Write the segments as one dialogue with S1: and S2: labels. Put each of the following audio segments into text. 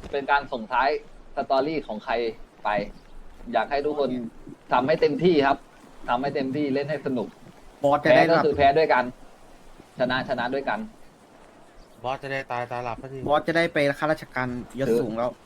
S1: เป็นการส่งท้ายสตอรี่ของใครไป อยากให้ทุกคนทำให้เต็มที่ครับทำให้เต็มที่เล่นให้สนุก
S2: บอสจะ
S1: แพ้
S2: ได้
S1: ก็
S2: หลับ
S1: คือแพ้ด้วยกัน ชนะชนะด้วยกัน
S3: บอสจะได้ตายตาหลับสักที
S2: บอสจะได้ไปข้าราชการยศสูงแล้ว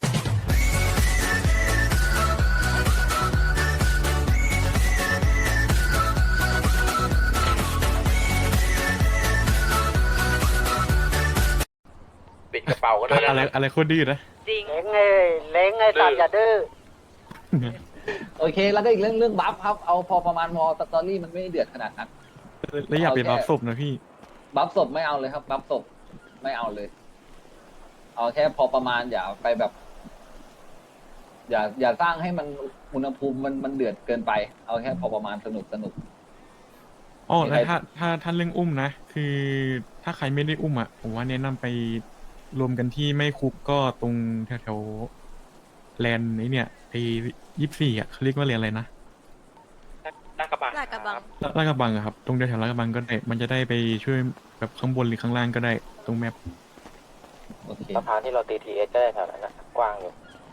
S4: ปิดกระเป๋าก็ได้
S5: อะไรโคตรดื้อนะ
S6: จริง
S7: เล้งไงตัดอย่าดื้อ
S1: โอเค แล้วก็อีกเรื่องบัฟครับ เอาพอประมาณพอสตอรี่มันไม่เดือดขนาดนั้น
S5: แล้วอย่าไปบัฟศพนะพี่
S1: บัฟศพไม่เอาเลยครับ บัฟศพไม่เอาเลย เอาแค่พอประมาณอย่าไปแบบ อย่าสร้างให้มันอุณหภูมิมันเดือดเกินไป เอาแค่พอประมาณสนุก
S5: อ๋อแล้วถ้าเรื่องอุ้มนะ คือถ้าใครไม่ได้อุ้มอ่ะ ผมว่าแนะนำไปรวมกันที่ไม่คุกก็ตรงแถวๆแลนด์นี้เนี่ยไอ้24อ่ะเขาเรียกว่าเรียนอะไรนะ
S4: ลาดกระบัง
S6: ลาดกระบัง
S5: ลาดกระบังอะครับ ตรงแถวๆลาดกระบังก็ได้ มันจะได้ไปช่วยแบบข้างบนหรือข้างล่างก็ได้ ตรงแมป
S1: โอเค
S7: สะพานที่เราตีทีเอสก็ได้แถวนั้นนะกว้างอยู่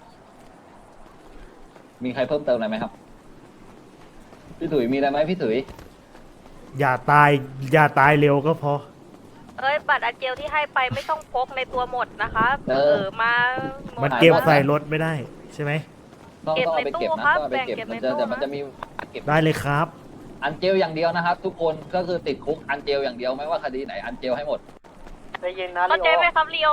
S1: มีใครเพิ่มเติมอะไรไหมครับ พี่ถุยมีอะไรไหมพี่ถุย
S8: อย่าตายเร็วก็พอ
S6: เอ้ยบัตรอาเจลที่ให้ไปไม่ต้องพกในตัวหมดนะคะ
S1: เออ
S6: มาห
S8: มัน
S6: ด
S8: เก็บใส่รถไม่ได้ใช่ไหม
S1: ต้อง
S6: เก็บ
S1: เอาไป
S6: ในตู้
S1: เก็บ
S6: ครั
S1: นะ
S6: บ
S1: ต้องเอาไปเก็บ
S6: แบ่งเก็บ
S1: มัน
S6: ใน
S1: จะ
S6: ตู้
S1: แต่มัน
S6: นะ
S1: จะมีเก็บ
S8: ได้เลยครับ
S1: อันเจลอย่างเดียวนะครับ ทุกคนก็คือติดคุกอันเจลอย่างเดียวไม่ว่าคดีไหนอันเจลให้หมด
S7: ได้ยินนะ
S6: เข้า
S7: ลิ
S6: ใจ
S7: โอ
S6: ไหมครับลีโอ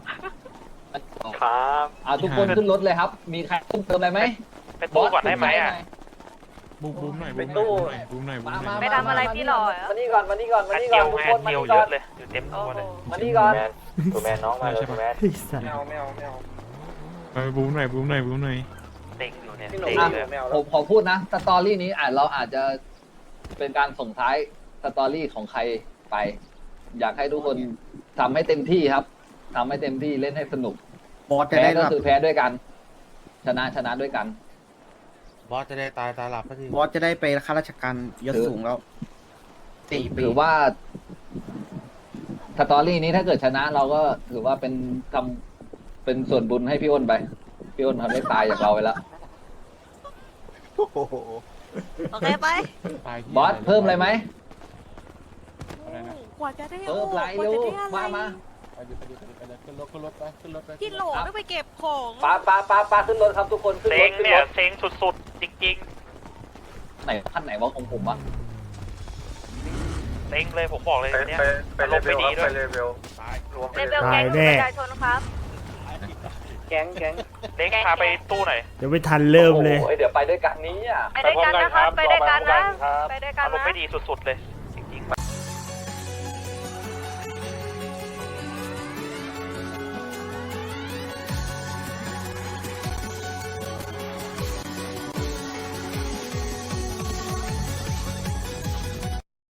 S4: ครับ
S1: ทุกคนขึ้นรถเลยครับ มีใครเพิ่มเติมอะไรไหม
S4: ไปตู้ก่อนได้ไหมอ่ะ
S5: บูมหน่อย
S7: ไปตู้
S5: บูมหน่อย
S6: ไปทำอะไรพี่หล่อเหรอ
S7: มานี่ก่อนมานี่ก่อนมา
S4: อัน
S7: นี่
S4: เดี
S7: ก่
S4: ย
S7: อน
S4: ว
S7: ทุก
S4: ไง
S7: คน
S4: อัน
S7: มา
S4: เดียว
S7: นี่
S4: เย
S7: ก่อน
S4: อะเลยอยู่เต็มตัวเลย
S7: มานี่ก่อน
S2: ตูแมนน้องมาเลยตูแมน
S8: ไอ้สัส
S5: ไปบูมหน่อย
S4: เต็งอยู่เนี่ย
S7: พี่หนุ่ม
S4: เต็ง
S1: อ่ะ
S4: เลย
S7: แมว
S1: ผ
S7: แล้ว
S1: มขอพูดนะสตอรี่นี้เราอาจจะเป็นการส่งท้ายสตอรี่ของใครไป อยากให้ทุกคนทำให้เต็มที่ครับทำให้เต็มที่เล่นให้สนุก
S2: บอสจะ
S1: แพ้
S2: ได้ห
S1: ก็
S2: ลับ
S1: คือแพ้ด้วยกัน ชนะชนะด้วยกัน
S3: บอสจะได้ตายตาหลับสักที
S2: บอสจะได้ไปข้าราชการยศสูงแล้ว4 ปี
S1: ถือว่าสตอรี่นี้ถ้าเกิดชนะเราก็ถือว่าเป็นทำเป็นส่วนบุญให้พี่อ้นไป พี่อ้นเขาได้ตายจากเราไปแล้ว
S6: โอเคไป
S1: บอสเพิ่มอะไรไหม
S6: กว่าจะได้
S1: เพิ่มไรเร็วมา
S6: พี่โหลต้องไปเก็บของ
S1: ปาขึ้นรถครับทุกคนขึ้น
S4: เซ็
S1: รง ถขึ้น
S4: เนี่
S1: ร
S4: ย
S1: ถ
S4: เซ็งสุดๆ จริง
S1: ไหนขั้นไหนวะของผมวะ
S4: ๆเซ็งเลยผมบอกเลยเนี่ยอารมณ์ไม่ดีด้วยรวม
S6: เลเวล
S8: ตา
S6: แก๊
S8: ย
S6: ง
S8: แน่
S6: ประชาชนครับ
S7: แก๊ง
S4: เซ็งพาไปตู้หน่อย
S8: เดี๋ยวไม่ทันเริ่มเลย
S1: โอ้โหเดี๋ยวไปด้วยกันนี้อ่ะ
S6: ไปด้วยกันนะครับ ไปด้วยกันนะ ไปด้วยกัน
S4: อารมณ์
S6: นะ
S4: ไม่ดีสุดๆเลย